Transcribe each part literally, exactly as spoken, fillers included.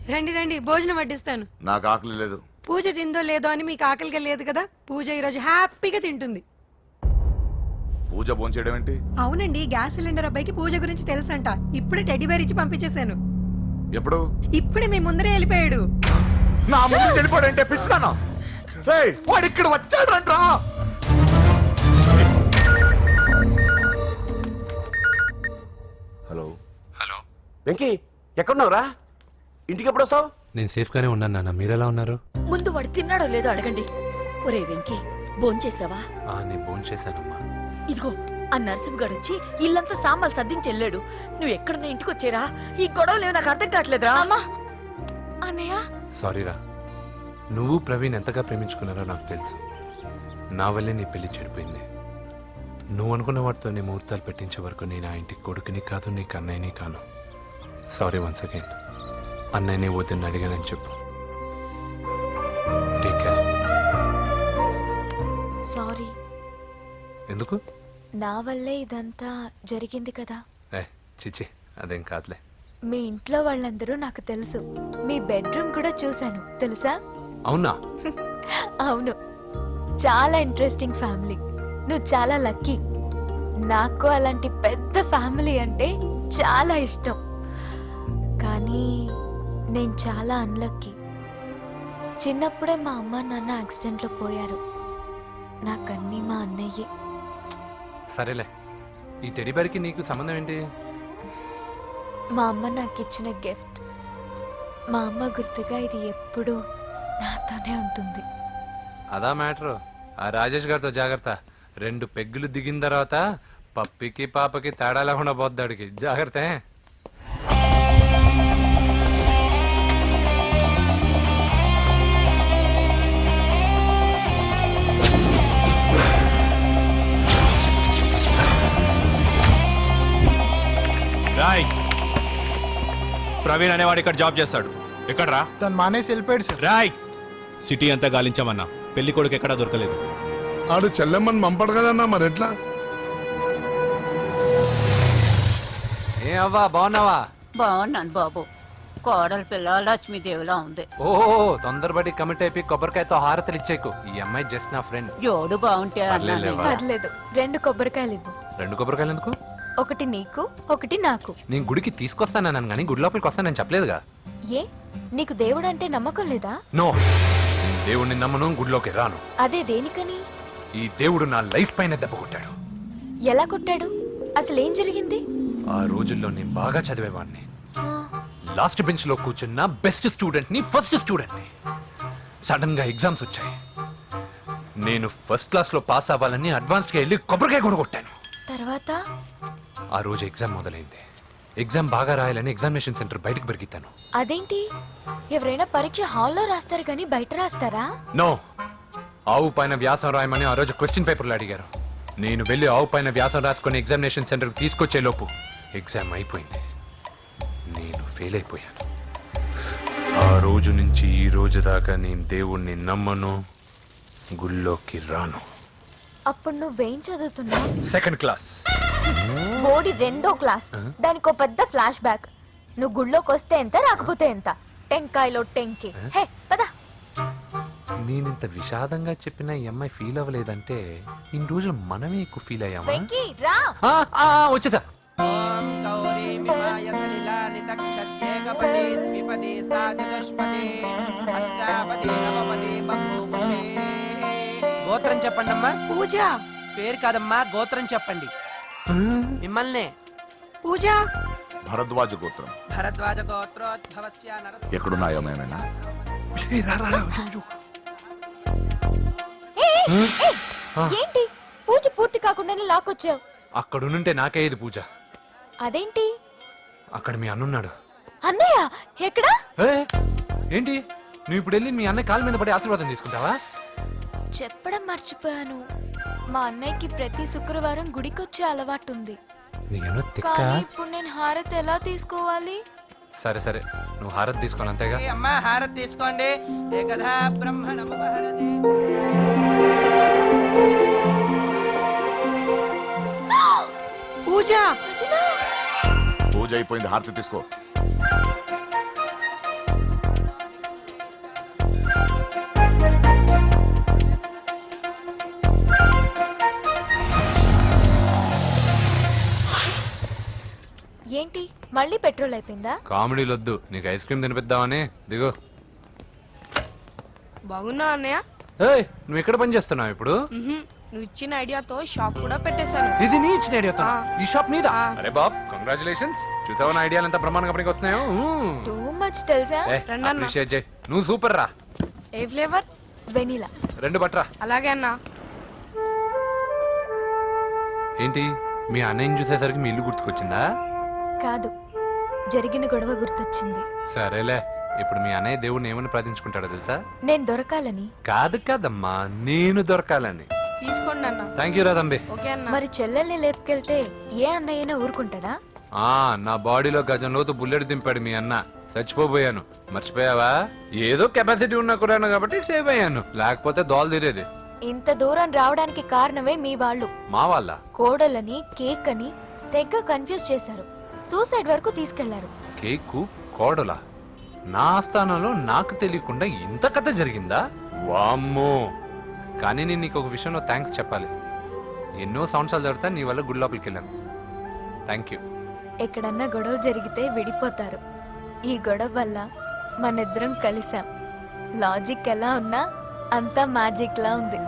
రండి రండి భోజనం వడ్డిస్తాను. నాకు ఆకలి లేదు. పూజ తిందో లేదో అని మీకు ఆకలిగా లేదు కదా, పూజ ఈరోజు హ్యాపీగా తింటుంది. పూజ భోంచేయడం ఏంటి? అవునండి, గ్యాస్ సిలిండర్ అబ్బాయికి పూజ గురించి తెలుసంట. ఇప్పుడే టెడ్డీ బేర్ ఇచ్చి పంపించేశాను. ఎప్పుడు? ఇప్పుడే మీ ముందరే వెళ్ళిపోయాడు. నా ముందు చెడిపోయాడంటే పిచ్చిదానా? రేయ్, వాడు ఇక్కడ వచ్చాడంట్రా. హలో హలో వెంకీ, ఎక్కడున్నావురా? ఇంటికి ఎప్పుడు వస్తావు? నేను సేఫ్ గానే ఉన్నాను నాన్న, మీరెలా ఉన్నారు? ముందు వాడు తిన్నాడో లేదో అడగండి. ఒరే వెంకీ, భోంచేసావా? ఆ నేను భోజనం చేశానమ్మా. ఇదిగో ఆ నరసింహగాడు వచ్చి ఇల్లంతా సామాన్లు సర్దించి వెళ్ళాడు. నువ్వు ఎక్కడున్నా ఇంటికి వచ్చేరా. ఈ గొడవలేవు నాకు అర్థం కావట్లేదురా. అమ్మా అన్నయ్య సారీరా, నువ్వు ప్రవీణ్ ఎంతగా ప్రేమించుకున్నారో నాకు తెలుసు. నా వల్లే నీ పెళ్లి చెడిపోయింది. నువ్వు అనుకున్న వాటితో నీ ముహూర్తాలు పెట్టించే వరకు నేను ఆ ఇంటికి కొడుకుని కాదు, నీకు అన్నయ్యని కాను. Sorry once again. అన్నయ్యని వద్దని అడిగానని చెప్పు. Take care. సారీ. ఎందుకు? నా వల్లే ఇదంతా జరిగింది కదా. ఏ చిచి, అదేం కాదులే. మీ ఇంట్లో వాళ్ళందరూ నాకు తెలుసు. మీ బెడ్రూమ్ కూడా చూశాను, తెలుసా? అవునా? అవును, చాలా ఇంట్రెస్టింగ్ ఫ్యామిలీ. నువ్వు చాలా లక్కీ. నాకు అలాంటి పెద్ద ఫ్యామిలీ అంటే చాలా ఇష్టం. కానీ నేను చాలా అన్లక్కీ. చిన్నప్పుడే మా అమ్మ నాన్న యాక్సిడెంట్లో పోయారు. నాకన్నీ మా అన్నయ్యే. సరేలే, ఈ టెడ్డీ బేర్కి నీకు సంబంధం ఏంటి? మా అమ్మ నాకు ఇచ్చిన గిఫ్ట్. మా అమ్మ గుర్తుగా ఇది ఎప్పుడూ నాతోనే ఉంటుంది. అదా మ్యాటర్. ఆ రాజేష్ గారితో జాగ్రత్త. రెండు పెగ్గులు దిగిన తర్వాత పప్పికి పాపకి తేడా లేకుండా పోద్దాడికి. జాగ్రత్త. రాయ్, ప్రవీణ్ అనేవాడు ఇక్కడ జాబ్ చేస్తాడు. ఎక్కడ్రా? తను మానేసి వెళ్ళిపోయాడు సార్. రాయ్, సిటీ అంతా గాలించామన్నా, పెళ్లి కొడుకు ఎక్కడా దొరకలేదు. ఆడు చెల్లెమ్మని పంపడు కదన్నా, మరి ఎట్లా? ఏ అవ్వా, బాగున్నావా? బాగున్నాను బాబు. కోడల పిల్ల లక్ష్మీదేవిలా ఉంది. ఓ తొందరపడి కమిట్ అయిపోయి కొబ్బరికాయతో హారతలు ఇచ్చేకు. ఈ అమ్మాయి జస్ట్ నా ఫ్రెండ్. జోడు బాగుంటే పర్లేదులే. పర్లేదు, రెండు కొబ్బరికాయలు ఇవ్వు. రెండు కొబ్బరికాయలు ఎందుకు? ఒకటి నీకు, ఒకటి నాకు. నేను గుడికి తీసుకొస్తానన్నాను కానీ గుడి లోపలికి వస్తానని చెప్పలేదుగా. ఏ, నీకు దేవుడు అంటే నమ్మకం లేదా? నో, నేను దేవుడిని నమ్మను, గుడిలోకి రాను. అదే దేనికని? ఈ దేవుడు నా లైఫ్ పైన దెబ్బ కొట్టాడు. ఎలా కొట్టాడు? అసలు ఏం జరిగింది? ఆ రోజుల్లో నేను బాగా చదివేవాడిని. ఆ, లాస్ట్ బెంచ్ లో కూర్చున్న బెస్ట్ స్టూడెంట్ ని, ఫస్ట్ స్టూడెంట్ ని. సడన్ గా ఎగ్జామ్స్ వచ్చాయి. నేను ఫస్ట్ క్లాస్ లో పాస్ అవ్వాలని అడ్వాన్స్ గా వెళ్ళి కొబ్బరికాయ కూడా కొట్టాను. తర్వాత? ఆ రోజు ఎగ్జామ్ మొదలైంది. ఎగ్జామ్ బాగా రాయాలని ఎగ్జామినేషన్ సెంటర్ బయటకు పెరిగితాను. అదేంటి, ఎవరైనా పరీక్ష హాల్లో రాస్తారు కానీ బయట రాస్తారా? నో, ఆవు పైన వ్యాసం రాయమని ఆ రోజు క్వశ్చన్ పేపర్లు అడిగారు. నేను వెళ్ళి ఆవు పైన వ్యాసం రాసుకొని ఎగ్జామినేషన్ సెంటర్కి తీసుకొచ్చే లోపు ఎగ్జామ్ అయిపోయింది. నేను ఫెయిల్ అయిపోయాను. ఆ రోజు నుంచి ఈ రోజు దాకా నేను దేవుణ్ణి నమ్మను, గుళ్ళోకి రాను. అప్పుడు నువ్వేం చదువుతున్నావు? Second class. మోడీ రెండో క్లాస్. దానికి పెద్ద ఫ్లాష్ బ్యాక్. నువ్వు గుళ్ళోకి వస్తే ఎంత, రాకపోతే ఎంత. టెంకాయలో టెంకి. హే పద. నేనింత విషాదంగా చెప్పిన ఈ అమ్మాయి ఫీల్ అవ్వలేదంటే ఇన్ని రోజులు మనమే ఎక్కువ ఫీల్ అయ్యామా? వెంకీ రా. ఆ, ఆ, వచ్చేసా. గోత్రం చెప్పండి అమ్మా. పూజ. పేరు కాదమ్మా, గోత్రం చెప్పండి. మిమ్మల్ని. పూజ. భరద్వాజ గోత్రం. భరద్వాజ గోత్రోద్భవస్య నరసింహ. ఎక్కడున్నాయో మేమైనా? ఏయ్, ఏయ్, ఏంటి పూజ పూర్తి కాకుండానే లాక్కొచ్చావు? అక్కడుంటే నాకే ఇది పూజ. అదేంటి? అక్కడ మీ అన్నున్నాడు. అన్నయ్య ఎక్కడా? ఏ, ఏంటి నువ్వు ఇప్పుడు వెళ్ళి మీ అన్నయ్య కాళ్ళ మీద పడి ఆశీర్వాదం తీసుకుంటావా? చెప్పడం మర్చిపోయాను. మా అన్నయ్యకి ప్రతి శుక్రవారం గుడికొచ్చే అలవాటు ఉంది. నీకేమో తిక్క. కానీ ఇప్పుడు నేను హారతి ఎలా తీసుకోవాలి? సరే సరే, నువ్వు హారతి తీసుకోను అంతేగా. ఏ అమ్మా, హారతి తీసుకోండి. ఏకదా బ్రహ్మణం హారతి. పూజ. పూజ అయిపోయింది, హారతి తీసుకో. ఏంటి మళ్ళీ పెట్రోల్ అయిపోయిందా? కామెడీలు వద్దు, నీకు ఐస్ క్రీమ్ తినిపిద్దామని. దిగు. బాగున్నా అన్నయ్య. ఏయ్, నువ్వు ఎక్కడ పని చేస్తున్నావు ఇప్పుడు? మ్హూ. నువ్వు ఇచ్చిన ఐడియాతో షాప్ కూడా పెట్టేశాను. ఇది నీ ఇచ్చిన ఐడియాతో? ఆ. ఈ షాప్ నీదా? ఆ. అరే బాబ్, కంగ్రాచులేషన్స్. చూసావా నా ఐడియాలు ఎంత బ్రహ్మాండంగా పనికి వస్తున్నాయో? టూ మచ్ తెలుసా? రెండన్నా. అప్రిషియేట్ చేయి. నువ్వు సూపర్ రా. ఏ ఫ్లేవర్? వెనీలా. రెండు బట్రా. అలాగే అన్నా. ఏంటి, మీ అన్నయ్యని చూసేసరికి మీ ఇల్లు గుర్తుకొచ్చిందా? కాదు, జరిగిన గొడవ గుర్తొచ్చింది. సరేలే, ఇప్పుడు మీ అన్నయ్య దేవుడిని ఏమని ప్రార్థించుకుంటాడో తెలుసా? నేను దొరకాలని. కాదు కాదమ్మా, నేను దొరకాలని. తీసుకోండి అన్న. థ్యాంక్ యూ రా తంబి. ఓకే అన్న. మరి చెల్లెల్ని లేపుకెళ్తే ఏ అన్నయ్యనా ఊరుకుంటాడా? ఆ నా బాడీలో గజం లోతు బుల్లెట్ దింపాడు మీ అన్న. చచ్చిపోబోయాను. మర్చిపోయావా? ఏదో కెపాసిటీ ఉన్న కురాను కాబట్టి సేవ్ అయ్యాను, లేకపోతే దోలు తీరేది. ఇంత దూరం రావడానికి కారణమే మీ వాళ్ళు. మా వాళ్ళ కోడలని కేక్ అని తెగ కన్ఫ్యూజ్ చేశారు. సూసైడ్ వరకు తీసుకెళ్లారు. కేకు కోడలా? నా ఆస్థానంలో నాకు తెలియకుండా ఇంత కథ జరిగిందా? వామ్మో. కానీ నేను నీకు ఒక విషయంలో థ్యాంక్స్ చెప్పాలి. ఎన్నో సంవత్సరాలు జరుగుతా నీ వల్ల గుడి లోపలికి వెళ్ళాను. Thank you. ఎక్కడన్నా గొడవ జరిగితే విడిపోతారు. ఈ గొడవ వల్ల మనిద్దరం కలిసాం. లాజిక్ ఎలా ఉన్నా అంతా మ్యాజిక్ లా ఉంది.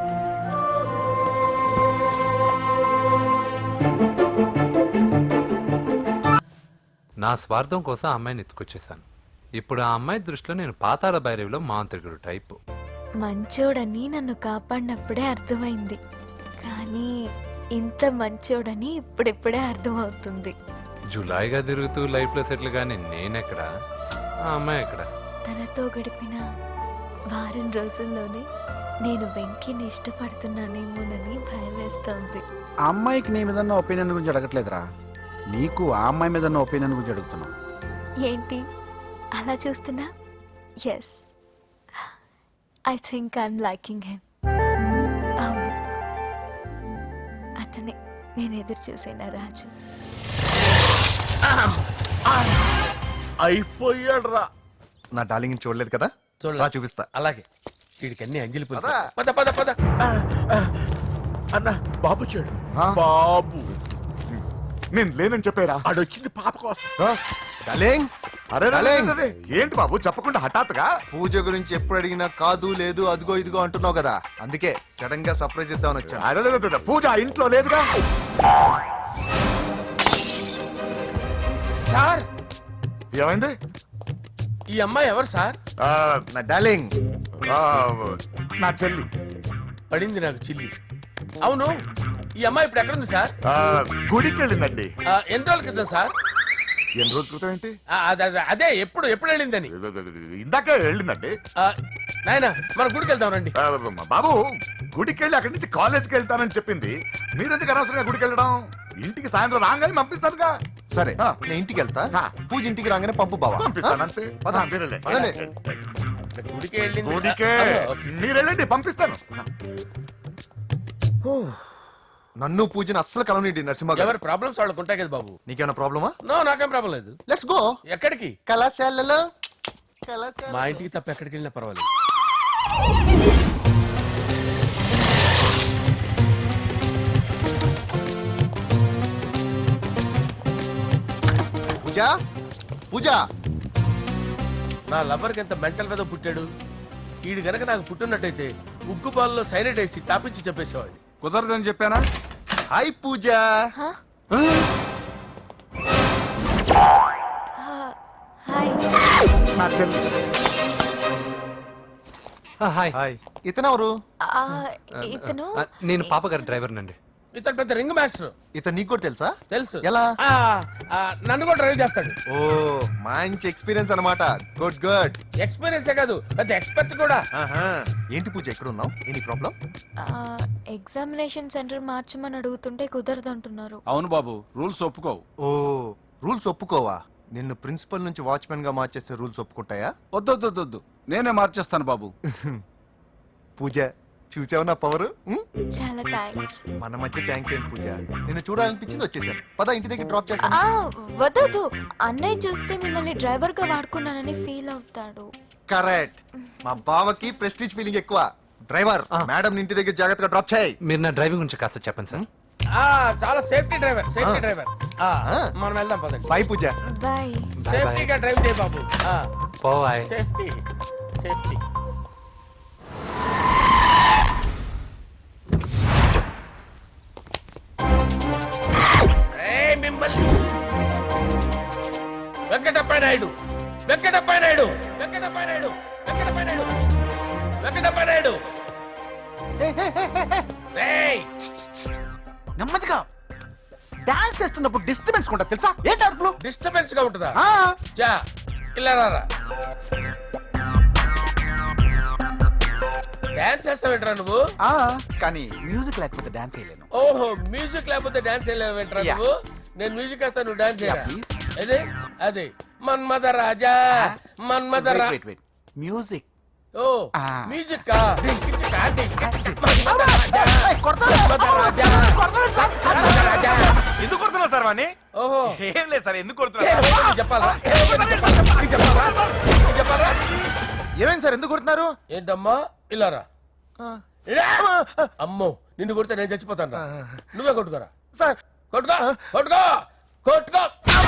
నా స్వార్థం కోసం ఆ అమ్మాయిని ఎత్తుకొచ్చేసాను. ఇప్పుడు ఆ అమ్మాయి దృష్టిలో నేను పాతాళ భైరవిలో మాంత్రికుడు టైపు. మంచోడని నన్ను కాపాడినప్పుడే అర్థమైంది, కానీ ఇంత మంచోడని ఇప్పుడిప్పుడే అర్థమవుతుంది. జులాయిగా తిరుగుతూ లైఫ్ లో సెటిల్ గానీ నేనెక్కడ, ఆ అమ్మాయి ఎక్కడ? తనతో గడిపిన వారం రోజుల్లోనే నేను వెంకిని ఇష్టపడుతున్నానేమోనని భయం వేస్తోంది. ఆ అమ్మాయికి నీ మీద ఒపీనియన్ గురించి అడగట్లేదురా, నీకు ఆ అమ్మాయి మీద ఒపీనియన్ గురించి అడుగుతున్నావు. ఏంటి అలా చూస్తున్నా? Yes, I think I'm liking him. అవును, అతనే నేను ఎదురు చూసేనా రాజు. అయిపోయాడు రా. నా డార్లింగ్ చూడలేదు కదా, రా చూపిస్తా. అలాగే వీడికి అన్ని అంజలి పూలు. పద. పద పద పద. అన్న బాబు చూడు. ఆ? బాబు నేను లేనని చెప్పారా? ఆడొచ్చింది పాప కోసం. డార్లింగ్, అరే డార్లింగ్, ఏంటి బాబు చెప్పకుండా హఠాత్తుగా? పూజ గురించి ఎప్పుడు అడిగినా కాదు లేదు అదిగో ఇదిగో అంటున్నావు కదా, అందుకే సడన్ గా సర్ప్రైజ్ ఇద్దామని వచ్చాను. అరే అరే, అరే, పూజ ఇంట్లో లేదుగా. సార్, ఏమైంది? ఈ అమ్మాయి ఎవరు సార్? ఆ, నా డార్లింగ్, ఆ, నా చెల్లి. పడింది నాకు చిల్లి. అవును, ఈ అమ్మాయి ఇప్పుడు ఎక్కడుంది సార్? ఆ, గుడికి వెళ్ళిందండి. ఆ, ఎన్ని రోజుల క్రితం సార్? ఎన్ని రోజుల క్రితం ఏంటి? ఆ, అద- అద- అదే ఎప్పుడు ఎప్పుడు వెళ్ళిందని. ఇందాకే వెళ్ళిందండి. ఆ, నాయనా మన గుడికి వెళ్దాం రండి. ఆ, బాబు, గుడికి వెళ్ళి అక్కడి నుంచి కాలేజ్కి వెళ్తానని చెప్పింది. మీరెందుకు అనవసరంగా గుడికి వెళ్ళడం? ఇంటికి సాయంత్రం రాగానే పంపిస్తానుగా. సరే, ఆ. నేను ఇంటికి వెళ్తా. ఆ. పూజ ఇంటికి రాగానే పంపు బావా. పంపిస్తాను అంతే. పద. ఆ, మీరెళ్ళండి. పదండి. గుడికి వెళ్ళింది. గుడికే ఆ, ఓకే. మీరు వెళ్ళండి, పంపిస్తాను. నన్ను పూజని అస్సలు కలవనిండి నరసింహ గారు. ఎవరి ప్రాబ్లమ్స్ వాళ్ళకు ఉంటాయి కదా బాబు. నీకేమైనా ప్రాబ్లమా? నో, నాకేం ప్రాబ్లం లేదు. Let's go. ఎక్కడికి? కళాశాలలో కళాశాల. మా ఇంటికి తప్ప ఎక్కడికి వెళ్ళినా పర్వాలేదు. పూజ పూజ నా లవర్కి ఎంత మెంటల్ మీద పుట్టాడు. వీడు గనక నాకు పుట్టినట్టయితే ఉగ్గు పాలలో సైనట్ వేసి తాపించి చెప్పేసేవాడిని. కుదరదని చెప్పానా? హాయ్ పూజ. హాయ్. నా చెల్లి. ఆ, హాయ్. హాయ్. ఇతనెవరు? ఆ, ఇతను ఆ, నేను పాప గారి డ్రైవర్ నండి. ఇతను పెద్ద రింగ్ మాస్టర్. ఇతను నీకు కూడా తెలుసా? తెలుసు. ఎలా? ఆ, ఆ, నన్ను కూడా డ్రైవ్ చేస్తాడు. ఓ, మంచి ఎక్స్పీరియన్స్ అన్నమాట. Good good. ఎక్స్పీరియన్సే కాదు, పెద్ద ఎక్స్పర్ట్ కూడా. ఆహా. ఏంటి పూజ ఎక్కడ ఉన్నావు? Any problem? ఎగ్జామినేషన్ సెంటర్ మార్చమని అడుగుతుంటే కుదరదంటున్నారు. అవును బాబు, రూల్స్ ఒప్పుకోవు. ఓ, రూల్స్ ఒప్పుకోవా? నిన్ను ప్రిన్సిపల్ నుంచి వాచ్మెన్ గా మార్చేస్తే రూల్స్ ఒప్పుకుంటాయా? వద్దొద్దొద్దు, నేనే మార్చేస్తాను బాబు. పూజ, చూసావు నా పవర్? చాలా థ్యాంక్స్. మన మధ్య థ్యాంక్స్ ఏంటి పూజ, నిన్ను చూడాలనిపించింది వచ్చేసాను. పద, ఇంటి దగ్గర డ్రాప్ చేస్తాను. ఆ, వద్దొద్దు. అన్నయ్య చూస్తే మిమ్మల్ని డ్రైవర్ గా వాడుకున్నానని ఫీల్ అవుతాడు. కరెక్ట్. మా బావకి ప్రెస్టీజ్ ఫీలింగ్ ఎక్కువ. డ్రైవర్, మేడం ఇంటి దగ్గర జాగ్రత్తగా డ్రాప్ చేయి. మీరు నా డ్రైవింగ్ గురించి కాస్త చెప్పండి సార్. ఆ చాలా సేఫ్టీ డ్రైవర్ సేఫ్టీ ఆ. డ్రైవర్ ఆ, ఆ. మనం వెళ్దాం పదండి. బాయ్ పూజ. బాయ్. సేఫ్టీగా డ్రైవ్ చేయ బాబు. ఆ, పోవాయ్. Safety safety. ఏయ్, మిమ్మల్ని వెంకటప్ప నాయుడు వెంకటప్ప నాయుడు వెంకటప్ప నాయుడు వెంకటప్ప నాయుడు వెంకటప్ప నాయుడు. ఏయ్, నెమ్మదిగా డాన్స్ చేస్తున్నప్పుడు డిస్టర్బెన్స్ కొంటా తెలుసా? ఏంటి అరుపులు? డిస్టర్బెన్స్ గా ఉంటుందా? ఆ, చా ఇలా రారా. డాన్స్ చేస్తావేంట్రా నువ్వు? ఆ, కానీ మ్యూజిక్ లేకపోతే డాన్స్ చేయలేను. ఓహో, మ్యూజిక్ లేకపోతే డాన్స్ చేయలేవేంట్రా Yeah. నువ్వు? నేను మ్యూజిక్ వేస్తా, నువ్వు డాన్స్ చేయరా? Yeah, please. అదే అదే మన్మద రాజా మన్మద వెయిట్ రా వెయిట్ వెయిట్ మ్యూజిక్. ఓ Ah. మ్యూజిక్ కా డింకిచ్ కా డింకిచ్ మన్మద రాజా మన్మద రాజా మన్మద రాజా. ఎందుకు కొడుతున్నావు సార్ వాణ్ణి? ఓహో, ఏం లేదు సార్, ఎందుకు ఏ, కొడుతున్నారు? నీకు చెప్పాలా ఏ, నీకు చెప్పాలా? నీకు చెప్పాలా? నీకు చెప్పాలా? ఏమైంది సార్, ఎందుకు కొడుతున్నారు? ఏంటమ్మా ఇలా రా. ఇలా. అమ్మో, నిన్ను కొడితే నేను చచ్చిపోతాను రా. నువ్వే కొట్టుకోరా. సార్ కొట్టుకో కొట్టుకో కొట్టుకో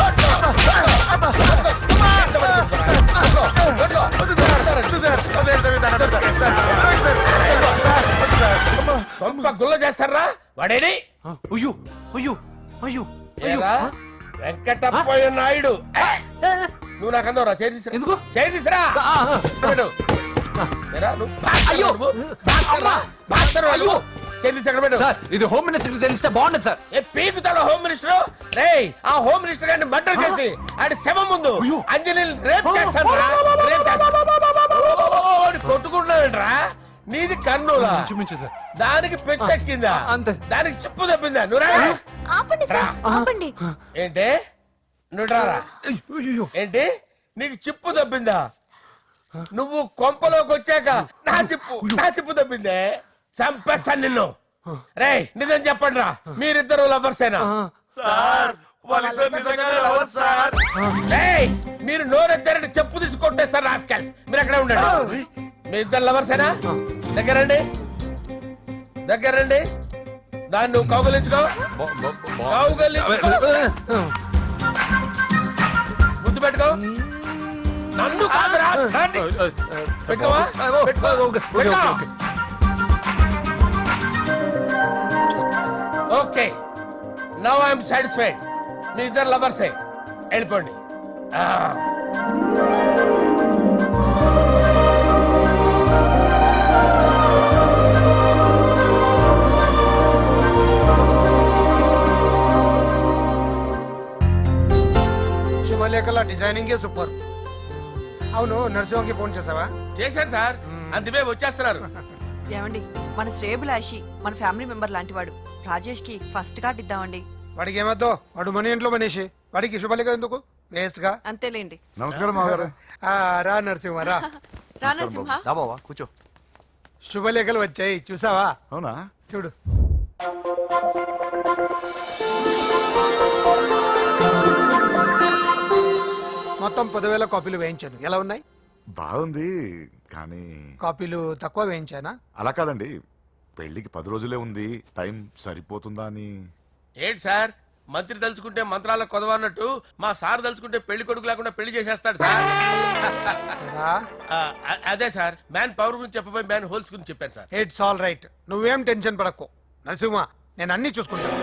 కొంప గుల్ల చేస్తారా వాడేని? అయ్యో అయ్యో అయ్యో ఏరా, వెంకటప్పయ్య నాయుడు. ఏ, నువ్వు నాకు అందవరా చేయి తీసురా. ఎందుకు? చేయి తీసురా. పెట్టు. ఏరా, నువ్వు బాక్సర్వా నువ్వు? బాక్సర్వా? బాక్సర్వా నువ్వు? చేయి తీసి అక్కడ పెట్టు. సార్ ఇది హోమ్ మినిస్టర్ తెలిస్తే బాగుండదు సార్. ఏ పీకుతాడు హోమ్ మినిస్టర్? రేయ్, ఆ హోమ్ మినిస్టర్ గారిని మర్డర్ చేసి ఆడి శవం ముందు అంజలి రేప్ చేస్తాను రా. రేప్ చేస్తాను. కొట్టుకుంటున్నావేంట్రా? నీది కర్నూలా? ఇంచుమించు సార్. దానికి పెచ్చెక్కిందా? అంతే. దానికి చిప్పు తప్పిందా? నువ్వు రా. ఆపండి సార్, ఆపండి. ఏంటి? నువ్వు రారా. అయ్యో. ఏంటి? నీకు చిప్పు తప్పిందా? నువ్వు కొంపలోకి వచ్చాక నా చిప్పు నా చిప్పు తప్పిందే. చంపేస్తాను నిన్ను. రేయ్, నిజం చెప్పండి రా, మీరిద్దరు లవర్సేనా? సార్ వాళ్ళిద్దరు నిజంగానే లవర్స్ సార్. రేయ్, మీరు నోరెత్తారంటే చెప్పు తీసి కొట్టేస్తారు రాస్కల్స్. మీరు అక్కడే ఉండండి. మీ ఇద్దరు లవర్సేనా? దగ్గరండి దగ్గరండి. దాన్ని నువ్వు కౌగలించుకో. కౌగలించుకో. ముద్దు పెట్టుకో. నన్ను కాదురా. రండి. పెట్టుకోవా? పెట్టుకో. పెట్టుకో. Okay, now I'm satisfied. మీ ఇద్దరు లవర్సే, వెళ్ళిపోండి. ఆ. శుభలేఖల డిజైనింగ్ సూపర్. అవును, నర్సింహకి ఫోన్ చేసావా? చేశాను సార్, అందుకే వచ్చేస్తున్నారు. ఏమండి, మన శ్రేయబులాషి మన ఫ్యామిలీ మెంబర్ లాంటి వాడు. రాజేష్ కి ఫస్ట్ కార్డ్ ఇద్దామండి. వాడికి ఏమద్దో, వాడు మన ఇంట్లో మనిషి, వాడికి శుభలేఖ ఎందుకు వేస్ట్ గా? అంతేలేండి. నమస్కారం మామగారు. ఆ, రా నరసింహ రా. రా నరసింహ. దా బావా కూర్చో. శుభలేఖలు వచ్చాయి, చూసావా? అవునా? చూడు. మొత్తం పదివేల కాపీలు వేయించాను. ఎలా ఉన్నాయి? బాగుంది కానీ కాపీలు తక్కువ వేయించానా? అలా కాదండి, పెళ్లికి పది రోజులే ఉంది, టైం సరిపోతుందా అని. ఏంటి సార్, మంత్రి తలుచుకుంటే మంత్రాలకు కొదవన్నట్టు మా సార్ తలుచుకుంటే పెళ్లి కొడుకు లేకుండా పెళ్లి చేసేస్తాడు సార్. రా. ఆ, అ- అదే సార్, మ్యాన్ పవర్ గురించి చెప్పబోయి మ్యాన్ హోల్స్ గురించి చెప్పారు సార్. ఇట్స్ ఆల్ రైట్, నువ్వేం టెన్షన్ పడకు నరసింహ, నేను అన్ని చూసుకుంటాను.